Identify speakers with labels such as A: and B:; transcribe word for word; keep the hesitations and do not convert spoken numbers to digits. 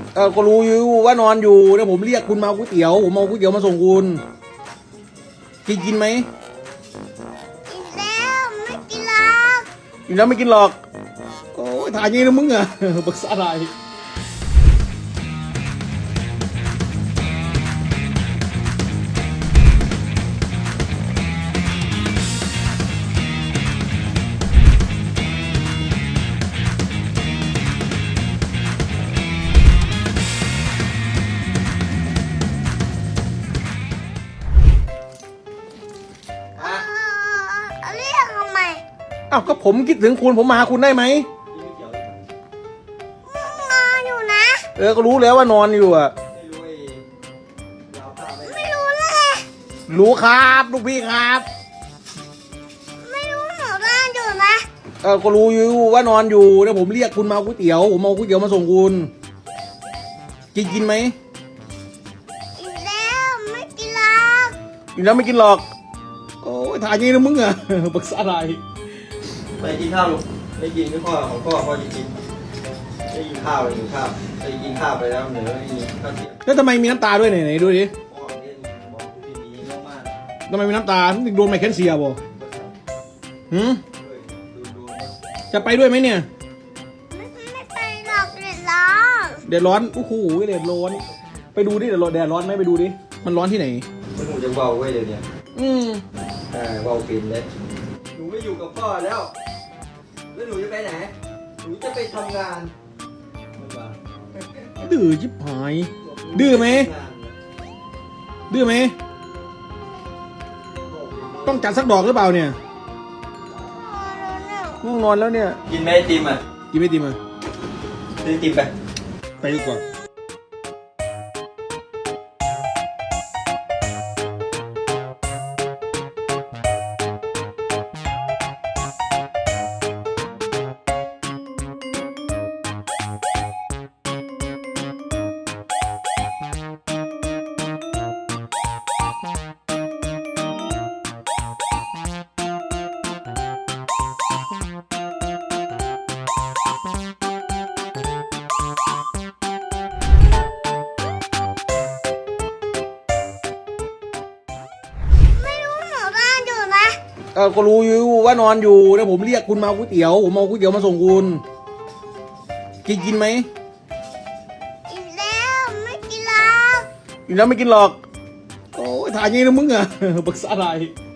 A: เออก็รู้อยู่ว่านอนอยู่แล้วผมเรียกคุณมาเอาก๋วยเตี๋ยวผมเอาก๋วยเตี๋ยวมาส่งคุณกินกินไหม
B: กินแล้วไม่กินหรอก
A: กินแล้วไม่กินหรอกโอ้ยถ่ายงี้นะมึงอะปรึกษาอะไร
B: เอาเรียกทำไม
A: อ้าวก็ผมคิดถึงคุณผมมาหาคุณได้ไหม
B: นอนอยู่นะ
A: เออก็รู้แล้วว่านอนอยู่อะ
B: ไม่รู้เลย
A: รู้ครับลูกพี่ครับ
B: ไม่รู้หนูนอนอยู่นะ
A: เออก็รู้อยู่ว่านอนอยู่แล้วผมเรียกคุณมาเอาก๋วยเตี๋ยวผมเอาก๋วยเตี๋ยวมาส่งคุณกินกินไหม
B: กินแล้วไม่กินหรอก
A: กินแล้วไม่กินหรอกโอ้ยถ่ายงี้นะมึงอะปรึกษาอะไร
C: ไปกินข้าวลูกไม่กินไม่พ่อของพ่อพ่อจะกินไม่กินข้าวเลยกินข้าวไปกินข้าวไปแล้วเหนือไม่กินข้าวเที่ยง
A: แล้วทำไมมีน้ำตาด้วยไหนไหนดูดิ
C: พ่อเล่นบอกดูดีๆเยอะมาก
A: ทำไมมีน้ำตาโดนไมเคิลเซียบ่หืม
C: เฮ้ยดูดู
A: จะไปด้วยไหมเนี่ย
B: ไม่ไม่ไปหรอกเดือดร้อน
A: แดดร้อนโอ้โหแดดร้อนไปดูดิแดดร้อนแดดร้อนไหมไปดูดิมันร้อนที่ไหน
C: มันหนูจะเบาเว้ยเดี๋ยวนี้
A: อืม
C: อ่าเบาปินเลยหนูไม่อยู่กับพ่อแล้วแล้วหนูจะไปไหนหนูจะไปทำงานไม่มา
A: ดื้อชิบหายดื้อไหมดื้อไหมต้องจัดสักดอกหรือเปล่าเนี่ยง่วงนอนแล้วเนี่ย
C: กินไหมไอติมอ่ะ
A: กินไม่ดีมา
C: ซื้อไอติมไป
A: ไปดีกว่า
B: ไม่รู้หนูนอนอยู่นะ
A: เออก็รู้อยู่ว่านอนอยู่แล้วผมเรียกคุณมาเอาก๋วยเตี๋ยวผมเอาก๋วยเตี๋ยวมาส่งคุณกินกินไหม
B: กินแล้วไม่กินหรอก
A: กินแล้วไม่กินหรอกโอ้ยถ่ายงี้นะมึงอะปรึกษาอะไร